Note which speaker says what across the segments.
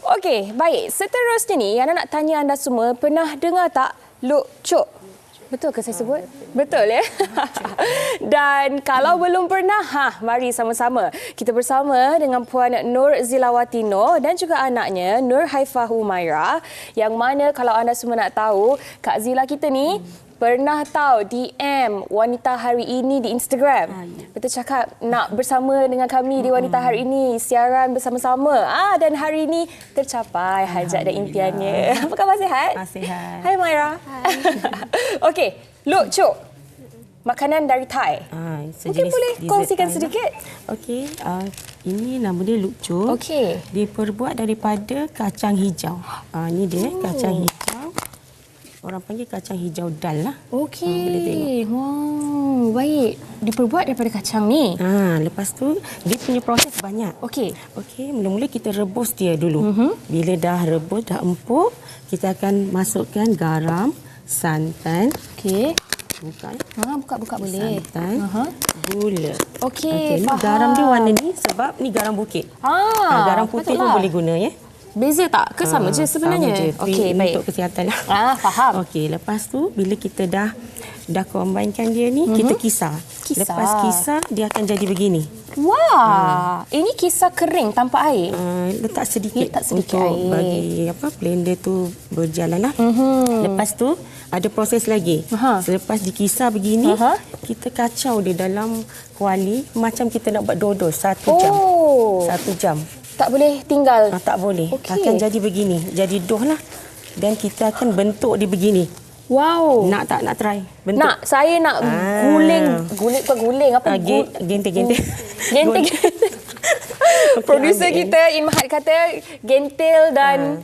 Speaker 1: Okey, baik. Seterusnya ni, Yana nak tanya anda semua, pernah dengar tak Luk Cuk? Betul ke saya sebut? Betul ya? Dan kalau belum pernah, mari sama-sama. Kita bersama dengan Puan Nur Zilawati Noor dan juga anaknya Nur Haifah Humaira. Yang mana kalau anda semua nak tahu, Kak Zila kita ni pernah tahu DM Wanita Hari Ini di Instagram. Betul cakap nak bersama dengan kami di Wanita Hari Ini, siaran bersama-sama. Dan hari ini tercapai hajat dan impiannya. Apa khabar, sihat?
Speaker 2: Sihat.
Speaker 1: Hai Maira. Hai. Okey, Luk Cuk. Makanan dari Thai. Mungkin boleh kongsikan sedikit?
Speaker 2: Okey, ini nama dia Luk Cuk.
Speaker 1: Okey.
Speaker 2: Diperbuat daripada kacang hijau. Ini dia kacang hijau. Orang panggil kacang hijau dal lah.
Speaker 1: Okey.
Speaker 2: Boleh tengok.
Speaker 1: Wow, baik. Diperbuat daripada kacang ni.
Speaker 2: Lepas tu dia punya proses banyak.
Speaker 1: Okey.
Speaker 2: Okey, mula-mula kita rebus dia dulu. Bila dah rebus, dah empuk, kita akan masukkan garam, santan.
Speaker 1: Okey.
Speaker 2: Buka.
Speaker 1: Buka boleh.
Speaker 2: Santan, gula.
Speaker 1: Okey,
Speaker 2: ni
Speaker 1: faham.
Speaker 2: garam dia warna ni sebab ni garam bukit. Garam putih pun boleh guna ya.
Speaker 1: Beza tak? Ke sama je sebenarnya?
Speaker 2: Okey,
Speaker 1: baik.
Speaker 2: untuk kesihatan lah.
Speaker 1: Faham.
Speaker 2: Okey, lepas tu bila kita dah combinekan dia ni, kita kisar. Lepas kisar dia akan jadi begini.
Speaker 1: Wah, ini kisar kering tanpa air.
Speaker 2: Letak sedikit,
Speaker 1: sedikit
Speaker 2: untuk
Speaker 1: air.
Speaker 2: bagi blender tu berjalan lah. Lepas tu ada proses lagi. Selepas dikisar begini, kita kacau dia dalam kuali macam kita nak buat dodol 1 jam. 1 jam.
Speaker 1: Tak boleh tinggal.
Speaker 2: Tak boleh.
Speaker 1: Okey.
Speaker 2: Akan jadi begini. Jadi doh lah. Dan kita akan bentuk dia begini.
Speaker 1: Wow.
Speaker 2: Nak tak? Nak try? Bentuk.
Speaker 1: Nak. Saya nak guling. Bukan guling. Apa?
Speaker 2: Gentil.
Speaker 1: Gentil. Produser kita, In Mahat kata gentil dan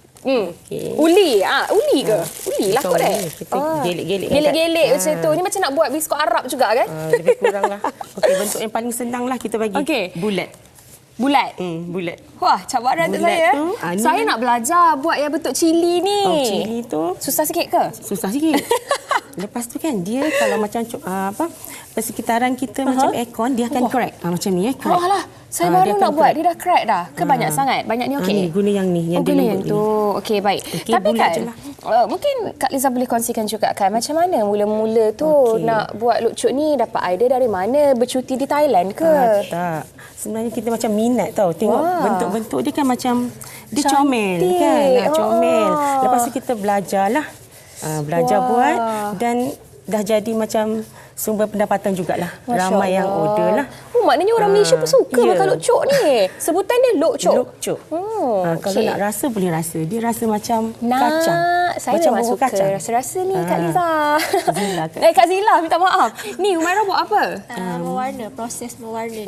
Speaker 1: uli. Uli ke? Uli lah kot
Speaker 2: Kita gelik-gelik.
Speaker 1: Gelik-gelik macam tu. Ni macam nak buat biskut Arab juga kan?
Speaker 2: Lebih kurang lah. Okey, bentuk yang paling senang lah kita bagi. Bulat.
Speaker 1: Bulat?
Speaker 2: Bulat.
Speaker 1: Wah, cabaran untuk saya. Saya nak belajar buat yang bentuk cili ni.
Speaker 2: Cili tu
Speaker 1: susah sikit ke?
Speaker 2: Susah sikit. Lepas tu kan dia kalau macam persekitaran kita macam aircon, dia akan crack. Macam ni crack.
Speaker 1: Alah, saya baru nak buat, dia dah crack dah. Ke banyak sangat? Banyak ni okey?
Speaker 2: Guna yang ni.
Speaker 1: Guna yang tu. Okey, baik. Tapi kan, mungkin Kak Liza boleh kongsikan juga kan, macam mana mula-mula tu nak buat Luk Cuk ni, dapat idea dari mana? Bercuti di Thailand ke?
Speaker 2: Tak. Sebenarnya kita macam minat tau. Tengok bentuk-bentuk dia kan macam, dia comel kan. Comel. Lepas tu kita belajarlah. Belajar buat dan dah jadi macam sumber pendapatan jugalah. Ramai yang order lah.
Speaker 1: Maknanya orang Malaysia pun suka makan Luk Cuk ni. Sebutan dia Luk Cuk.
Speaker 2: Luk Cuk. Kalau nak rasa boleh rasa. Dia rasa macam kacang.
Speaker 1: Saya
Speaker 2: macam
Speaker 1: memang suka
Speaker 2: kacang.
Speaker 1: rasa-rasa ni Kak Liza.
Speaker 2: Zila ke?
Speaker 1: Kak Zila, minta maaf. Ni Humaira buat apa?
Speaker 3: Mewarna, proses mewarna dia.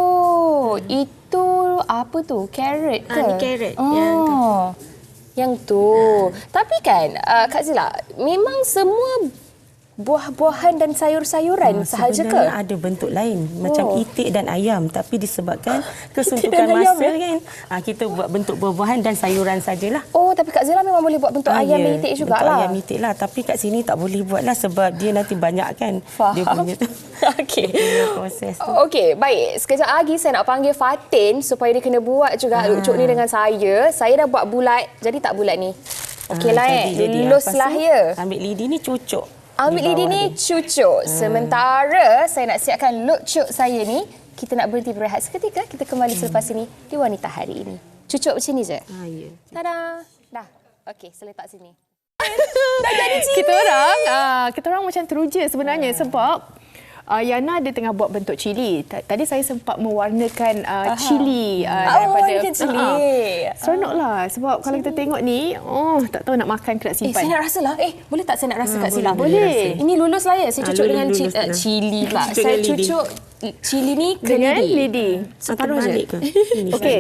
Speaker 1: Itu apa tu? Carrot ke?
Speaker 3: Ni carrot. Yang tu.
Speaker 1: Yang tu. Tapi kan Kak Zila, memang semua buah-buahan dan sayur-sayuran sahaja ke?
Speaker 2: Sebenarnya ada bentuk lain macam itik dan ayam, tapi disebabkan kesuntukan masa kan kita buat bentuk buah-buahan dan sayuran sajalah.
Speaker 1: Tapi Kak Zila memang boleh buat bentuk ayam dan itik jugalah.
Speaker 2: Bentuk ayam itik lah, tapi kat sini tak boleh buatlah sebab dia nanti banyak kan.
Speaker 1: Faham.
Speaker 2: Dia punya tu.
Speaker 1: Okey.
Speaker 2: Proses tu.
Speaker 1: Okey, baik. Sekejap lagi saya nak panggil Fatin supaya dia kena buat juga Luk Cuk ni dengan saya. Saya dah buat bulat, jadi tak bulat ni. Okeylah luluslah ya.
Speaker 2: Ambil lidi ni cucuk.
Speaker 1: Ambil lidi ni cucuk. Sementara saya nak siapkan Luk Cuk saya ni, kita nak berhenti berehat seketika. Kita kembali selepas ini di Wanita Hari Ini. Cucuk macam ni je.
Speaker 2: Ya.
Speaker 1: Tada. Dah. Okey, saya letak sini.
Speaker 3: Dah jadi cili. Kita orang macam teruja sebenarnya sebab Yana dia tengah buat bentuk cili. Tadi saya sempat mewarnakan cili daripada
Speaker 1: cili.
Speaker 3: Seronoklah sebab kalau kita tengok ni, tak tahu nak makan ke nak simpan.
Speaker 1: Saya nak rasa lah. Boleh tak saya nak rasa Kak Zila?
Speaker 3: Boleh.
Speaker 1: Ini lulus lah ya. Saya cucuk dengan cili pula. Saya cucuk cili ni ke
Speaker 3: lidi.
Speaker 1: Separuh je.
Speaker 3: Okey.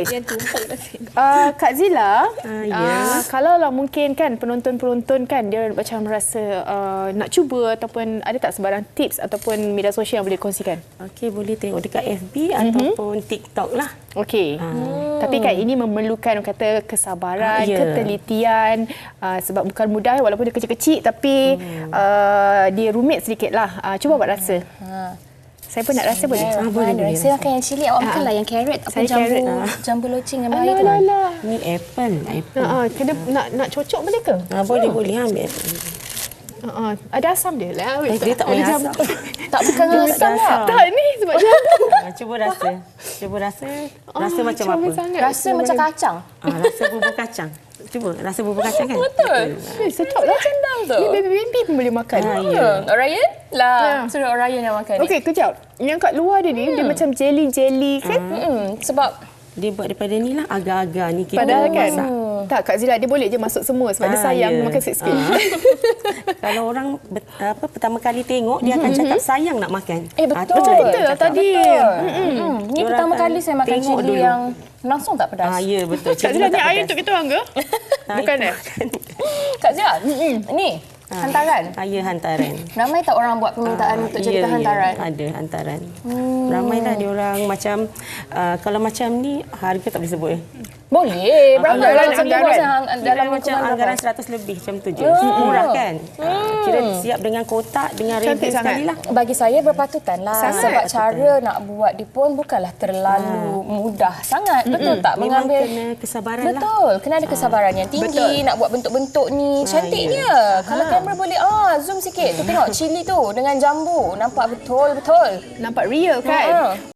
Speaker 3: Kak Zila, kalau lah mungkin kan penonton-penonton kan dia macam rasa nak cuba ataupun ada tak sebarang tips ataupun media sosial yang boleh kongsikan?
Speaker 2: Okey, boleh tengok dekat FB ataupun TikTok lah.
Speaker 3: Okey. Tapi kan ini memerlukan kata kesabaran, ketelitian sebab bukan mudah walaupun dia kecil-kecil tapi dia rumit sedikitlah. Cuba buat rasa. Saya pun nak rasa boleh?
Speaker 2: boleh.
Speaker 1: Saya makan yang cili, awak makanlah yang carrot ataupun
Speaker 3: Saya carrot.
Speaker 1: jambu loceng yang bahaya tu.
Speaker 3: Alah.
Speaker 2: Ni apple.
Speaker 3: Kena nak cocok boleh ke?
Speaker 2: Boleh ambil.
Speaker 3: Ada asam dia lah.
Speaker 2: Dia tak boleh asam.
Speaker 1: Tak bukan asam tak?
Speaker 3: Tak ni sebab jambu.
Speaker 2: Cuba rasa. Rasa macam apa?
Speaker 3: comel sangat.
Speaker 1: Rasa macam kacang.
Speaker 2: Rasa bubur kacang. Cuba rasa bubur kacang kan?
Speaker 1: Betul.
Speaker 3: Sedap lah.
Speaker 1: Cendang tu.
Speaker 3: Ni baby pun boleh makan.
Speaker 2: Ya.
Speaker 1: Orion? Lah, suruh Orion yang makan ni.
Speaker 3: Okey, kejap. Yang kat luar dia ni, dia macam jelly-jelly kan?
Speaker 1: Sebab
Speaker 2: Dia buat daripada ni lah agar-agar ni kita
Speaker 3: Padahal kan,
Speaker 2: masak.
Speaker 3: tak Kak Zila, dia boleh je masuk semua sebab dia sayang
Speaker 2: ya.
Speaker 3: makan sikit-sikit.
Speaker 2: Kalau orang pertama kali tengok dia akan cakap sayang nak makan.
Speaker 1: betul.
Speaker 3: Betul lah tadi.
Speaker 1: Ni
Speaker 2: Diorang
Speaker 1: pertama
Speaker 2: akan
Speaker 1: kali saya makan
Speaker 2: tengok
Speaker 1: cili
Speaker 2: dulu.
Speaker 1: yang langsung tak pedas.
Speaker 2: Ya betul.
Speaker 3: Kak Zila, ni air untuk kita orang ke? Bukan
Speaker 1: Kak Zia, ni hantaran.
Speaker 2: Ya, hantaran.
Speaker 1: Ramai tak orang buat permintaan untuk jadikan hantaran?
Speaker 2: Ada hantaran. Ramailah dia orang macam kalau macam ni harga tak boleh sebut.
Speaker 1: Boleh. Berapa
Speaker 3: Anggaran,
Speaker 1: kalau satu
Speaker 3: anggaran.
Speaker 1: dalam
Speaker 2: Macam
Speaker 1: lingkungan
Speaker 2: anggaran
Speaker 1: berapa?
Speaker 2: 100 lebih macam tu je. Murah kan? Kira siap dengan kotak, dengan
Speaker 3: Cantik
Speaker 2: rebel
Speaker 3: sangat.
Speaker 2: sekali lah.
Speaker 1: Bagi saya berpatutan lah.
Speaker 3: Sangat
Speaker 1: Sebab
Speaker 2: berpatutan.
Speaker 1: cara nak buat dia pun bukanlah terlalu mudah sangat. Betul tak?
Speaker 2: Memang
Speaker 1: Mengambil
Speaker 2: kena kesabaran lah.
Speaker 1: Betul, kena ada kesabaran yang tinggi.
Speaker 3: Betul.
Speaker 1: Nak buat bentuk-bentuk ni cantiknya. Kalau kamera boleh zoom sikit. Tu tengok cili tu dengan jambu. Nampak betul-betul.
Speaker 3: Nampak real kan?